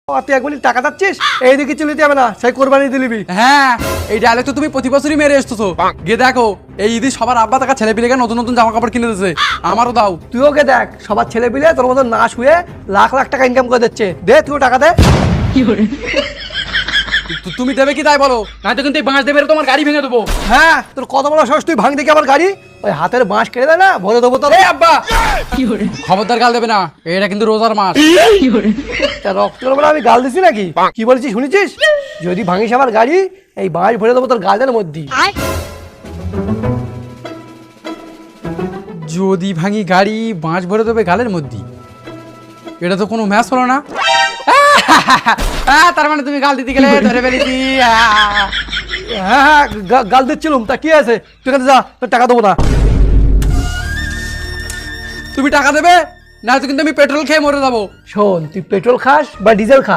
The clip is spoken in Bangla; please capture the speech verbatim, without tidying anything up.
তুই এক মিনিট টাকা যাচ্ছিস এইদিকে চলে যাবে না সেই কোরবানি দিলিবি। হ্যাঁ এই ডায়লগ তো তুমি প্রতি বছরই মেরে এসছো। গিয়ে দেখো এই ঈদে সবার আব্বা টাকা ছেলে পিলেকে নতুন নতুন জামা কাপড় কিনে দিচ্ছে, আমারও দাও। তুই ওকে দেখ সবার ছেলে পিলে তোর মতো না শুয়ে লাখ লাখ টাকা ইনকাম করে দিচ্ছে, দে তুই টাকা দে। তু- তুমি দেবে কি তাই বলো, নয়তো কিন্তু এই বাঁশ দেবে তোমার গাড়ি ভেঙে দেবো। হ্যাঁ তোর কত বড় সাহস, তুই ভাঙ দেখি আমার গাড়ি, ওই হাতের বাঁশ কেটে দেয় না ভরে দেবো তোর। এই আব্বা খবরদার গাল দেবে না, এটা কিন্তু রোজার মাস। তা রক্ত বলে আমি গাল দিছি নাকি? কি বলছিস শুনেছিস? যদি ভাঙিস আমার গাড়ি এই বাঁশ ভরে দেবো তোর গালের মধ্যে। যদি ভাঙি গাড়ি বাঁশ ভরে দেবে গালের মধ্যে, এটা তো কোনো ম্যাচ হলো না। আহ, তার মানে তুমি গাল দিতে গেলে ধরে ফেলেছি। আহ। হ্যাঁ হ্যাঁ গা- গাল দিচ্ছিলাম, তা কি আছে? তুই এখানে যা, তোর টাকা দেবো না। তুমি টাকা দেবে না, তো কিন্তু আমি পেট্রোল খেয়ে মরে যাবো। শোন তুই পেট্রোল খাস বা ডিজেল খাস